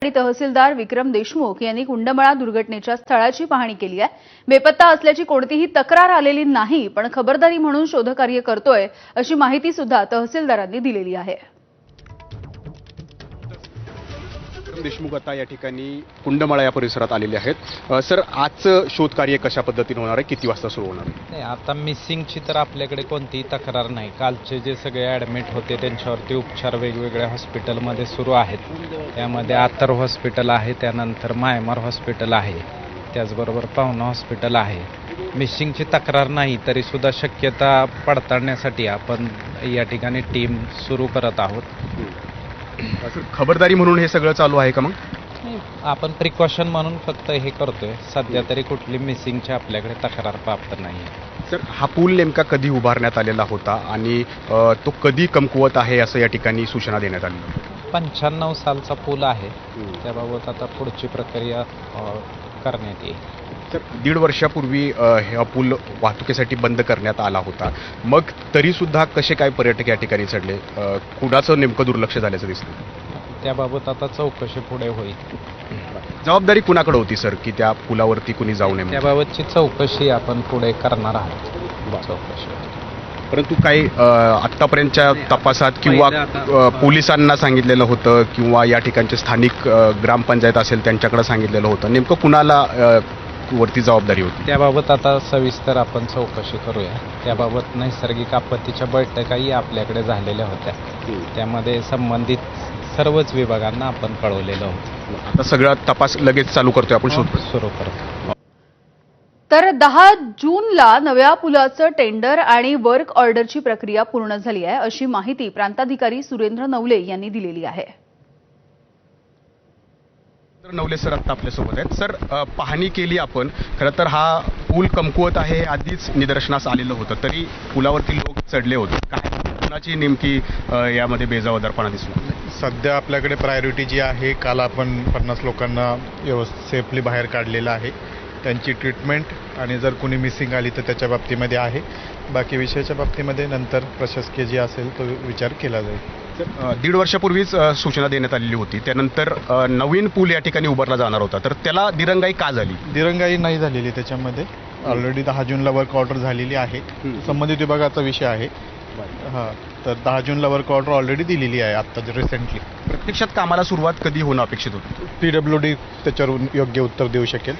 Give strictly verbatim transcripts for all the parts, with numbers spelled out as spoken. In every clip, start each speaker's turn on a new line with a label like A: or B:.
A: तहसीलदार विक्रम देशमुख यांनी कुंडमळा दुर्घटनेच्या स्थळाची पाहणी केली आहे। बेपत्ता असल्याची कोणतीही तक्रार आलेली नाही, पण खबरदारी म्हणून शोधकार्य करतोय अशी माहिती सुद्धा तहसीलदारांनी दिलेली आहे।
B: देशमुख आता या ठिकाणी कुंडमळा या परिसरात आलेले आहेत। सर, आजचं शोधकार्य कशा पद्धतीने होणार आहे, किती वाजता सुरू होणार आहे?
C: नाही, आता मिसिंगची तर आपल्याकडे कोणतीही तक्रार नाही। कालचे जे सगळे ॲडमिट होते त्यांच्यावरती उपचार वेगवेगळ्या हॉस्पिटलमध्ये सुरू आहेत। त्यामध्ये आतर हॉस्पिटल आहे, त्यानंतर मायमार हॉस्पिटल आहे, त्याचबरोबर पाहुणा हॉस्पिटल आहे। मिसिंगची तक्रार नाही तरी सुद्धा शक्यता पडताळण्यासाठी आपण या ठिकाणी टीम सुरू करत आहोत।
B: सर, खबरदारी म्हणून हे सगळं चालू आहे का? मग
C: आपण प्रिकॉशन म्हणून फक्त हे करतोय। सध्या तरी कुठली मिसिंगची आपल्याकडे तक्रार प्राप्त नाही।
B: सर, हा पूल नेमका कधी उभारण्यात आलेला होता आणि अ, तो कधी कमकुवत आहे असं या ठिकाणी सूचना देण्यात आली?
C: पंच्याण्णव सालचा पूल आहे, त्याबाबत आता पुढची प्रक्रिया अ, करण्यात येईल।
B: सर, दीड वर्षापूर्वी अ, हा पूल वाहतुकीसाठी बंद करण्यात आला होता, मग तरी सुद्धा कसे काय पर्यटक या ठिकाणी चढले? अ, कुणाचं नेमकं दुर्लक्ष झाल्याचं दिसतं?
C: त्याबाबत आता चौकशी पुढे होईल।
B: जबाबदारी कुणाकडे होती सर, की त्या पुलावरती कुणी जाऊ नये?
C: त्याबाबतची चौकशी आपण पुढे करणार आहोत। चौकशी
B: परंतु काही अ, आत्तापर्यंतच्या तपासात किंवा अ, पोलिसांना सांगितलेलं होतं किंवा या ठिकाणचे स्थानिक अ, ग्रामपंचायत असेल त्यांच्याकडे सांगितलेलं होतं, नेमकं कुणाला अ, वरती जबाबदारी होती?
C: त्याबाबत आता सविस्तर आपण चौकशी करूया। त्याबाबत नैसर्गिक आपत्तीच्या बैठकाही आपल्याकडे झालेल्या होत्या, त्यामध्ये संबंधित सर्वच विभागांना आपण कळवलेलं होतं।
B: आता सगळा तपास लगेच चालू करतोय आपण, शोध
C: सुरू करतो।
A: तर दहा जूनला नव्या पुलाचं टेंडर आणि वर्क ऑर्डरची प्रक्रिया पूर्ण झाली आहे अशी माहिती प्रांताधिकारी सुरेंद्र नवले यांनी दिलेली आहे।
B: नवले सर आता आपल्यासोबत आहेत। सर, अ, पाहणी केली आपण, खरं तर हा पूल कमकुवत आहे हे आधीच निदर्शनास आलेलं होतं, तरी पुलावरती लोक चढले होते। काय कुणाची नेमकी अ, यामध्ये बेजबाबदारपणा दिसला?
D: सध्या आपल्याकडे प्रायोरिटी जी आहे, काल आपण पन्नास लोकांना व्यवस्थित सेफली बाहेर काढलेलं आहे, त्यांची ट्रीटमेंट आणि जर कुणी मिसिंग आली तर त्याच्या बाबतीमध्ये आहे। बाकी विषयाच्या बाबतीमध्ये नंतर प्रशासकीय जे असेल तो विचार केला जाईल।
B: अ, दीड वर्षापूर्वीच अ, सूचना देण्यात आलेली होती, त्यानंतर अ, नवीन पूल या ठिकाणी उभारला जाणार होता, तर त्याला दिरंगाई का झाली?
D: दिरंगाई नाही झालेली त्याच्यामध्ये। ऑलरेडी दहा जूनला वर्क ऑर्डर झालेली आहे, संबंधित विभागाचा विषय आहे। हां, तर दहा जूनला वर्क ऑर्डर ऑलरेडी दिलेली आहे आत्ता रिसेंटली।
B: प्रत्यक्षात कामाला सुरुवात कधी होणं अपेक्षित होती?
D: पी डब्ल्यू डी त्याच्यावर योग्य उत्तर देऊ शकेल।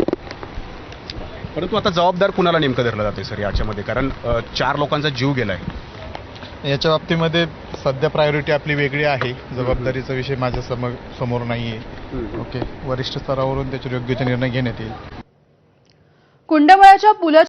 B: परंतु आता जबाबदार कुणाला नेमकं धरलं जाते सर याच्यामध्ये? कारण अ, चार लोकांचा जीव गेलाय।
D: याच्या बाबतीमध्ये सध्या प्रायोरिटी आपली वेगळी आहे, जबाबदारीचा विषय माझ्या समोर समोर नाही आहे। ओके, वरिष्ठ स्तरावरून त्याच्यावर योग्य ते निर्णय घेण्यात येईल।
A: कुंडमळाच्या पुलाच्या